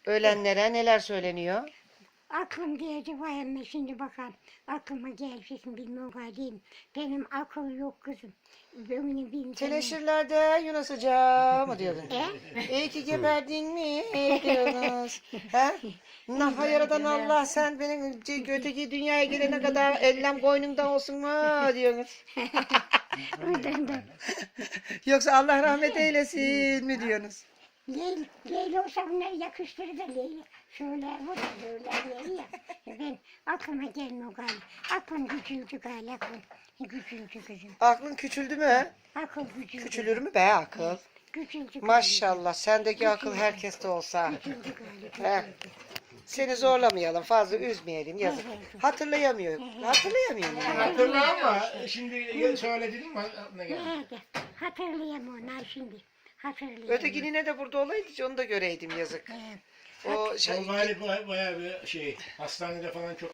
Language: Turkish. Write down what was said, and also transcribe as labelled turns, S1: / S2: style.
S1: Ölenlere neler söyleniyor?
S2: Aklım diyecek vay emme şimdi bakalım. Aklıma gelecek mi bilmiyorum galiba. Benim akıl yok kızım. Ömrünü bilmiyorum.
S1: Teneşirlerde Yunus Hoca mı diyordun?
S2: E?
S1: İyi ki geberdin mi? Diyorsunuz. He? Naha yaradan Allah sen benim öteki dünyaya gelene kadar ellem koynumda olsun mu diyorsunuz.
S2: Oradan da.
S1: Yoksa Allah rahmet eylesin mi diyorsunuz?
S2: Leyla olsa bunları yakıştırır da Leyla. Şöyle bu da böyle Leyla. Ben aklıma gelmiyor galiba. Aklım küçüldü galiba. Aklım küçüldü kızım.
S1: Aklın küçüldü mü?
S2: Akıl küçüldü.
S1: Küçülür mü be akıl?
S2: Küçüldü galiba.
S1: Maşallah sendeki akıl herkeste olsa.
S2: Küçüldü galiba.
S1: He. Seni zorlamayalım, fazla üzmeyelim, yazık. Hatırlayamıyorum. Hatırlayamıyorum. Yani.
S3: Hatırla ama şimdi söyledin mi aklına geldi.
S2: Nerede? Hatırlayamam onlar şimdi. Hatırlayamam.
S1: Ötekini ne de burada olaydı, onu da göreydim yazık. O
S3: O galiba bayağı bir şey hastanede falan çok